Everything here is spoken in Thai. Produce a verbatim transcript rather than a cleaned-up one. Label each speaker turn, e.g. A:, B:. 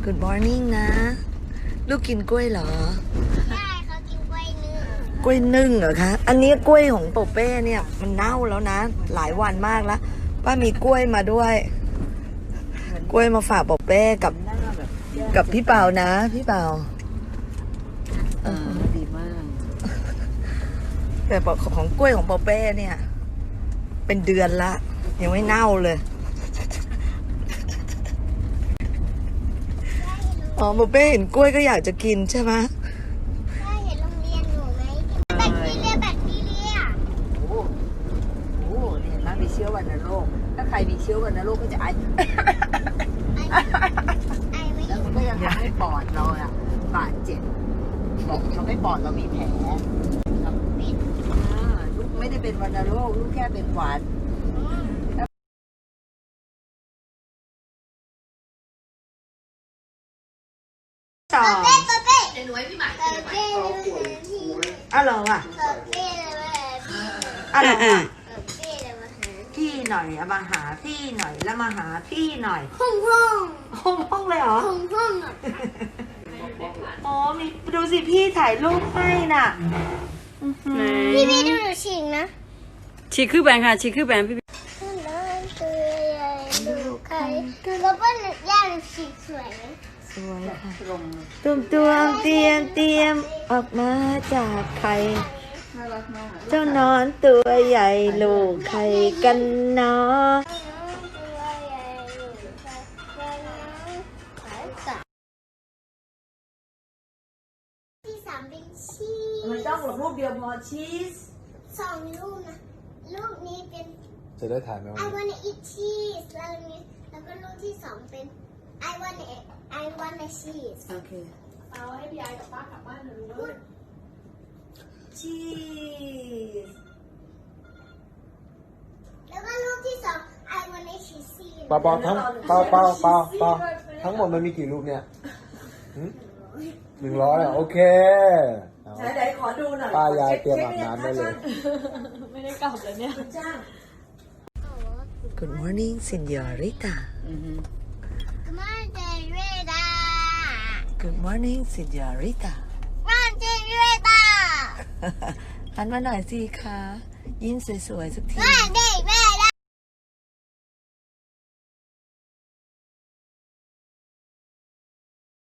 A: Good morning นะ ลูกกินกล้วยเหรอ
B: ใช่เขากินกล้วยนึ่ง
A: กล้วยนึ่งเหรอคะ อันนี้กล้วยของโปเป้เนี่ยมันเน่าแล้วนะ หลายวันมากแล้วป้ามีกล้วยมาด้วย กล้วยมาฝากโปเป้กับกับพี่เปานะ พี่เปา
C: อ่าดีมาก
A: แต่ของกล้วยของโปเป้เนี่ย เป็นเดือนละยังไม่เน่าเลยอ๋อโปเป้เห็นกล้วยก็อยากจะกินใช่ไหม
B: ได้เห็นโรงเรียนหนูไหมแบคทีเรียแบคทีเรีย
C: โอ้โหเห็นไหมมีเชื้อวัณโรค ถ้าใครมีเชื้อวัณโรคก็จะไอ
B: ไอไม่
C: แล้วมันก็ยังทำให้ปอดเราอะบาดเจ็บบอกทำให้ปอดเรามีแผลครับอ่าลูกไม่ได้เป็นวัณโรค ลูกแค่เป็นหวัด
A: ต่อ
B: เป๊ะเป๊ะเป๊ะ
D: เดี๋ยวหนูให้พี่หมาย
B: เป๊ะเป๊ะเลยพี่
A: อ้าวเหรอวะ
B: เป๊ะเป๊ะเลยพี่
A: อ้าวเหรอวะ
B: เป๊ะเลยมาหา
A: พี่หน่อยเอามาหาพี่หน่อยแล้วมาหาพี่หน่อย
B: ห้องห้อง
A: ห้องห้องเลยเหรอ
B: ห้องห้องอ่ะ
A: อ๋อมีดูสิพี่ถ่ายรูปให้น่ะ
B: พี่พี่ดูหนูฉีกนะ
D: ฉีกคือแบงค่ะฉีกคือแบงพี่
B: น้องตัวใหญ่ดูใครแล้วก็หนูย่าหนูฉีกสวยไหม
A: สวยค่ะ
C: ลง
A: ตุ่มตวงเตรียมเตรียมออกมาจากไข่
C: น่ารักมาก
A: เจ้านอนตัวใหญ่ลูกไข่กันเนาะ
B: ตัวใหญ่ดูใครแล้วน้องขายสัตว์ที่สามเป็นชีส
A: มันต้องรูปเดียวพอชีส
B: สองลูกนะ ลูกนี้เป็น
E: จะได้ถ่ายไหม
B: I
E: วันนี้
B: wanna eat cheese แล้วนี้แล้วก็ลูกที่สองเป็น I wanna I wanna cheese
C: โอเค
A: ชีส
B: แล้วก็ลูกที่สอง I wanna cheesy
E: เปล่าเปล่าทั้งเปล่าเปล่าเปล่าเปล่าทั้งหมดมันมีกี่รูปเนี่ยหึหนึ่งร้อยอ่ะโอเคเอา
A: ไหนๆขอดูหน่อย
E: ป้ายายเตรียมอาบน้ำได้เลย
A: Good morning Señorita
B: มาเจเรดา
A: Good morning Señorita
B: มาเจเรดา
A: หันมาหน่อยสิคะยิ้มสวยๆสักที
B: มาเจเร